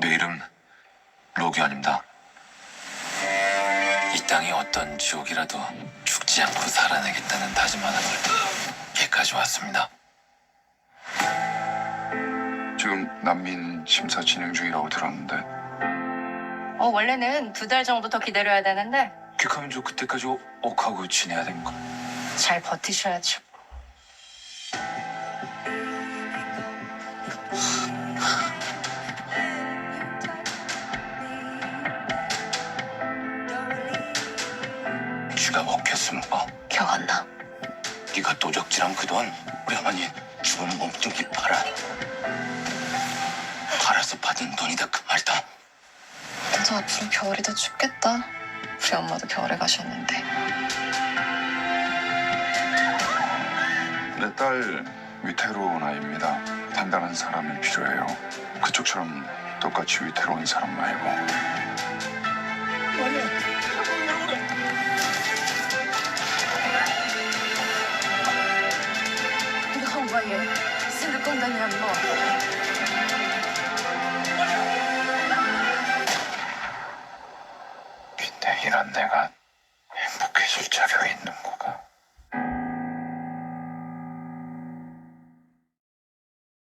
이름 로기환입니다. 이 땅이 어떤 지옥이라도 죽지 않고 살아내겠다는 다짐 하나를 여기까지 왔습니다. 지금 난민 심사 진행 중이라고 들었는데 원래는 2달 정도 더 기다려야 되는데 퀵하면 저 그때까지 옥하고 지내야 됩니까? 잘 버티셔야죠. 쥐가 먹혔습니까? 기억 안 나. 네가 도적질한 그 돈 우리 어머니 죽은 몸뚱이 팔아서 받은 돈이다 그 말이다. 나도 앞으로 겨울이 더 춥겠다. 우리 엄마도 겨울에 가셨는데. 내 딸 위태로운 아이입니다. 단단한 사람이 필요해요. 그쪽처럼 똑같이 위태로운 사람 말고. 엄마얘 생각건다냐 뭐. 근데 이런 내가 행복해질 자격이 있는 거.